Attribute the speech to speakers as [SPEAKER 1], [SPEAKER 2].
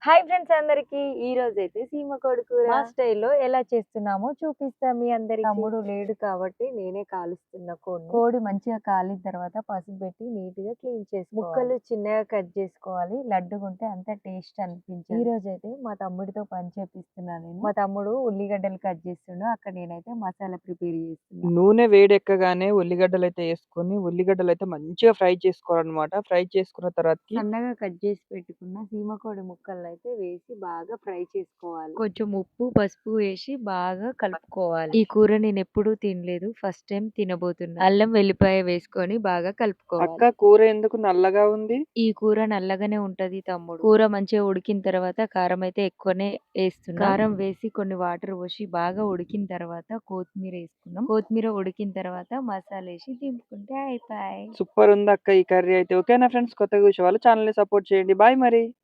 [SPEAKER 1] Hi friends అందరికి. ఈ రోజైతే సీమ కూర మా స్టైల్‌లో ఎలా చేస్తున్నామో చూపిస్తా మీ అందరికి. తమ్ముడు లేడు కాబట్టి నేనే కాలుస్తున్న కోడిని. కోడి మంచిగా కాలిన తర్వాత పసుపు పెట్టి నీట్‌గా క్లీన్ చేసుకోవాలి. ముక్కలు చిన్నగా కట్ చేసుకోవాలి. లడ్డుగుంటే అంత టేస్ట్ అనిపించదు. ఈ రోజైతే మా తమ్ముడితో పని చేపిస్తున్నా నేను. మా తమ్ముడు ఉల్లిగడ్డలు కట్ చేస్తుండు. అక్కడ నేనైతే మసాలా ప్రిపేర్ చేస్తున్నా.
[SPEAKER 2] నూనె వేడెక్కగానే ఉల్లిగడ్డలైతే యేసుకొని, ఉల్లిగడ్డలైతే మంచిగా ఫ్రై చేసుకోవాలనమాట. ఫ్రై చేసుకున్న తర్వాతకి
[SPEAKER 1] సన్నగా కట్ చేసి పెట్టుకున్న సీమకోడి ముక్కలనైతే వేసి బాగా ఫ్రై చేసుకోవాలి. కొంచెం ఉప్పు, పసుపు వేసి బాగా కలుపుకోవాలి. ఈ కూర నేనెప్పుడూ తినలేదు. ఫస్ట్ టైం తినబోతున్నా. అల్లం, వెల్లిపాయ వేసుకొని బాగా కలుపుకోవాలి.
[SPEAKER 2] అక్క కూర ఎందుకు నల్లగా ఉంది?
[SPEAKER 1] ఈ కూర నల్లగానే ఉంటది తమ్ముడు. కూర మంచిగా ఉడికిన తర్వాత కారం అయితే ఎక్కువనే వేస్తున్నా. కారం వేసి కొన్ని వాటర్ పోసి బాగా ఉడికిన తర్వాత కొత్తిమీర వేసుకున్నాం. కొత్తిమీర ఉడికిన తర్వాత మసాలా వేసి దింపుకుంటే అయిపోయాయి.
[SPEAKER 2] సూపర్ ఉంది అక్క ఈ కర్రీ అయితే. ఓకేనా ఫ్రెండ్స్, కొత్తగా చూసేవాళ్ళు ఛానల్‌ని సపోర్ట్ చేయండి. బాయ్ మరి.